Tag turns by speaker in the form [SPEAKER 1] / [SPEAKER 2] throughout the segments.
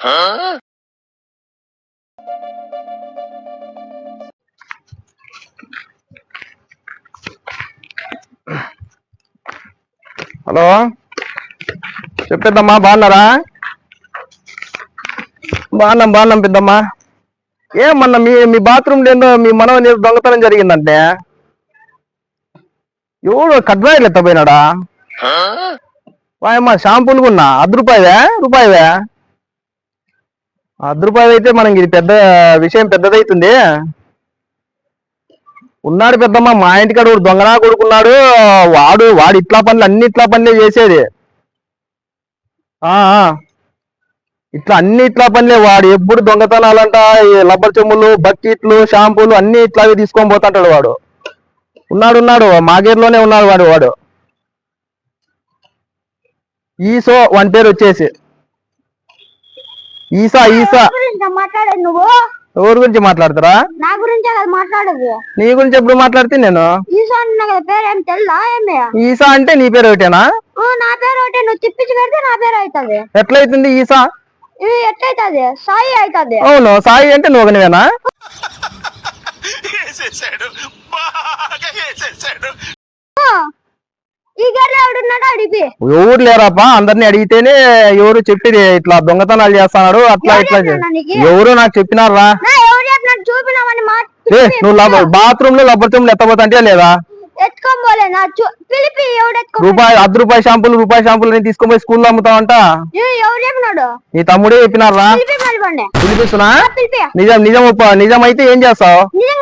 [SPEAKER 1] Hello చెప్పేద్దమ్మా, బాగున్నారా? బాగున్నాం పెద్దమ్మా. ఏమన్నా మీ బాత్రూమ్ ఏందో మీ మనవని దొంగతనం జరిగిందంటే ఎవడు కడ్రాయిలు ఎత్తపోయినాడా? వాయమ్మా షాంపూలు కొన్నా రూపాయివే. రూపాయి అయితే మనకి ఇది పెద్ద విషయం పెద్దదైతుంది. ఉన్నాడు పెద్దమ్మ, మా ఇంటికాడు దొంగనా కొడుకున్నాడు. వాడు ఇట్లా పనులే చేసేది. ఇట్లా పనులే. వాడు ఎప్పుడు దొంగతనాలంట, రబ్బర్ చెమ్ములు, బకెట్లు, షాంపూలు అన్ని ఇట్లాగే తీసుకొని పోతుంటాడు వాడు. ఉన్నాడు మా గేర్లోనే ఉన్నాడు వాడు. ఈసో వాని పేరు వచ్చేసి ఈసా.
[SPEAKER 2] నువ్వు
[SPEAKER 1] ఎవరి గురించి మాట్లాడతారా?
[SPEAKER 2] నా గురించి మాట్లాడదు.
[SPEAKER 1] నీ గురించి ఎప్పుడు మాట్లాడితే నేను ఈసా అంటే నీ పేరు ఒకటేనా?
[SPEAKER 2] నా పేరు ఒకటే. నువ్వు తిప్పించి పెడితే నా పేరు అవుతుంది.
[SPEAKER 1] ఎట్లయితుంది ఈసా?
[SPEAKER 2] ఎట్లయితుంది? సాయి అవుతుంది.
[SPEAKER 1] అవును, సాయి అంటే నువ్వు ఒకనివేనా?
[SPEAKER 2] ఈ గేర్లో ఎవడున్నాడో అడిగి.
[SPEAKER 1] ఎవరు లేరాపా, అందరినీ అడిగితేనే ఎవరు చెప్పేది ఇట్లా దొంగతనాలు చేస్తున్నాడు అట్లా ఎవరు నాకు చెప్పినారా? నువ్వు బాత్రూమ్ లో రబ్బర్ చెమ్ములు ఎత్తపోతా లేదా? రూపాయి షాంపూలు తీసుకొని పోయి స్కూల్లో అమ్ముతావంట. నీ తమ్ముడే చెప్పినారా? పిలిపిస్తున్నా. నిజం అయితే ఏం చేస్తావు?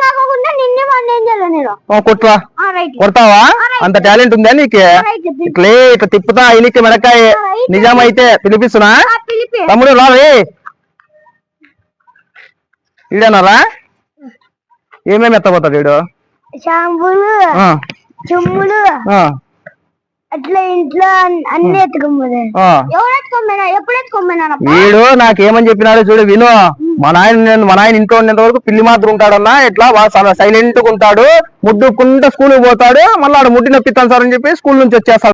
[SPEAKER 1] కొడతావా? అంత టాలెంట్ ఉందా నీకు? ఇట్లా తిప్పుతా అయినకి మెడకాయ. నిజమైతే పిలిపిస్తున్నా. తమ్ముడు రే, ఈడనారా? ఏమేమి ఎత్తపోతాడు వీడు?
[SPEAKER 2] షాంపూలు, చెమ్ములు, అట్లా ఇంట్లో అన్ని ఎత్తుకోమని. ఎప్పుడు ఎత్తుకోమన్నా?
[SPEAKER 1] వీడు నాకేమని చెప్పినాడు చూడు, విను. మా నాయన ఇంట్లో ఉండేంత వరకు పిల్లి మాత్రం ఉంటాడన్నా. ఇట్లా సైలెంట్ గా ఉంటాడు, ముడ్డుకుంటా స్కూల్ పోతాడు. మళ్ళీ ఆడ ముడ్డి నొప్పిస్తాను సార్ అని చెప్పి స్కూల్ నుంచి వచ్చేస్తాడు.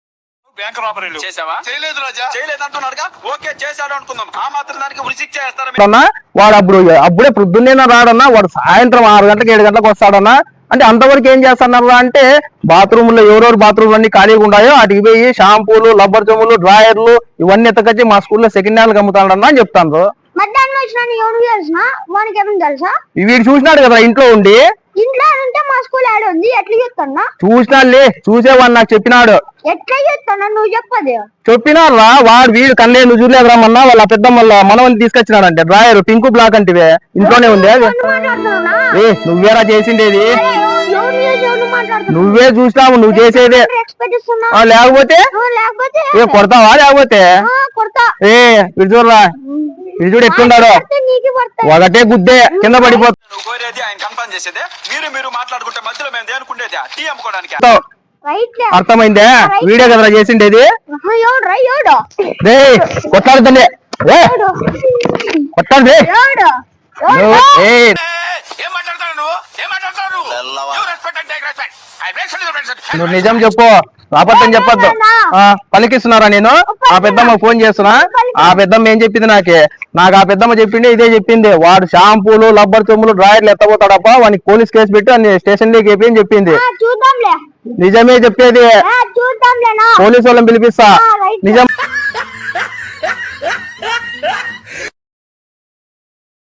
[SPEAKER 1] వాడు అప్పుడే పొద్దున్నే రాడన్నా. వాడు సాయంత్రం 6 గంటలకు 7 గంటలకు వస్తాడన్నా. అంటే అంతవరకు ఏం చేస్తున్నారా అంటే, బాత్రూమ్ లో ఎవరెవరు బాత్రూమ్ అన్ని ఖాళీగా ఉన్నాయో వాటికి పోయి షాంపూలు, రబ్బర్ చెమ్ములు, డ్రాయర్లు ఇవన్నీ ఎత్తకొచ్చి మా స్కూల్లో సెకండ్ హ్యాండ్ అమ్ముతాడన్నా అని చెప్తాను. వీడు చూసినాడు కదా ఇంట్లో ఉండి. చూసినాడులే, చూసేవాడు నాకు చెప్పినాడు. చెప్పినారా? వాడు వీడు కన్నే నువ్వు చూడలేదు రమ్మన్నా. వాళ్ళ పెద్ద మనవని తీసుకొచ్చినాడంటే డ్రాయర్ పింక్ బ్లాక్ అంటే ఇంట్లోనే ఉంది. నువ్వేరా చేసిండేది? నువ్వే చూసినావు నువ్వు చేసేదే. లేకపోతే కొడతావా? లేకపోతే వీడు చూడరా, వీడు చూడు ఎట్లున్నాడో. ఒకటే గుద్దే కింద పడిపోతా. అర్థమైందే? వీడియో కదరా చేసిండేది. కొట్లాడుతుంది కొట్టాడు. నువ్వు నిజం చెప్పు, అబద్ధం చెప్పొద్దు. పలికిస్తున్నారా? నేను ఆ పెద్దమ్మ ఫోన్ చేస్తున్నా. ఆ పెద్దమ్మ ఏం చెప్పింది నాకు ఆ పెద్దమ్మ చెప్పింది ఇదే చెప్పింది. వాడు షాంపూలు, రబ్బర్ చెమ్ములు, డ్రాయర్లు ఎత్తపోతాడప్ప, వానికి పోలీస్ కేసు పెట్టి అన్ని స్టేషన్ లోకి వేపి అని చెప్పింది. నిజమే చెప్పేది. పోలీసు వాళ్ళని పిలిపిస్తా. నిజం